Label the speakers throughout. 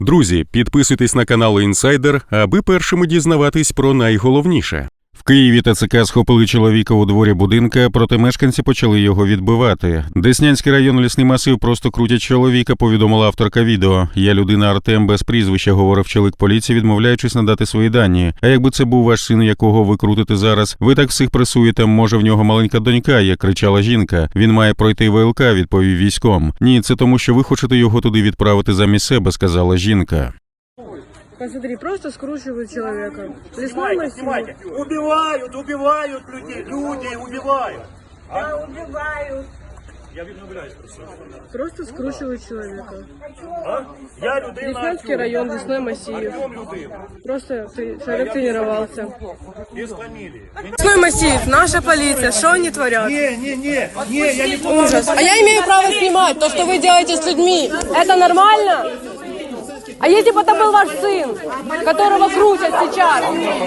Speaker 1: Друзі, підписуйтесь на канал Інсайдер, аби першими дізнаватись про найголовніше. В Києві ТЦК схопили чоловіка у дворі будинка, проте мешканці почали його відбивати. Деснянський район, лісний масив, просто крутять чоловіка, повідомила авторка відео. «Я людина Артем без прізвища», говорив чоловік поліції, відмовляючись надати свої дані. А якби це був ваш син, якого ви крутите зараз? Ви так всіх пресуєте, може в нього маленька донька, як кричала жінка. Він має пройти ВЛК, відповів військом. Ні, це тому, що ви хочете його туди відправити замість себе, сказала жінка.
Speaker 2: Посмотри, просто скручивают человека.
Speaker 3: Снимайте. Убивают людей. Люди убивают.
Speaker 4: Да, убивают.
Speaker 3: Я відмовляюсь про це.
Speaker 2: Просто скручивают человека.
Speaker 3: Я людина.
Speaker 2: Деснянский район, лесной массив.
Speaker 3: Артем людина.
Speaker 2: Просто человек тренировался.
Speaker 3: Без фамілії.
Speaker 2: Лесной массив, наша полиция, что они творят?
Speaker 3: Ні, я не
Speaker 2: Ужас. А я имею право снимать то, что вы делаете с людьми. Это нормально? А если бы это был ваш сын, которого крутят сейчас?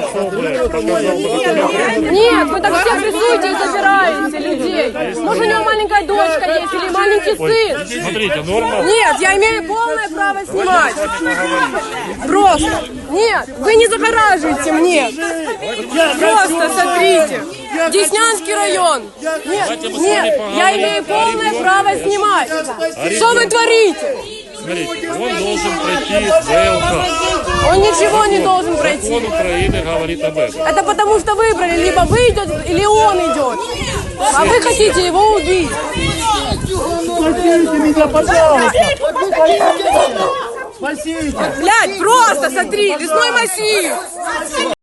Speaker 2: Нет, вы так все прессуете и забираете людей. Может, у него маленькая дочка есть или маленький сын?
Speaker 3: Смотрите, норма.
Speaker 2: Нет, я имею полное право снимать. Просто. Нет, вы не загораживаете мне. Просто смотрите. Деснянский район. Нет, я имею полное право снимать. Что вы творите?
Speaker 5: Смотрите, он должен пройти ВЛК.
Speaker 2: Он ничего не должен пройти.
Speaker 5: Закон Украины говорит об этом.
Speaker 2: Это потому что выбрали, либо вы идете, или он идет. А вы хотите его убить.
Speaker 3: Спасите меня, пожалуйста. Спасите.
Speaker 2: Блядь, просто смотри, лесной массив.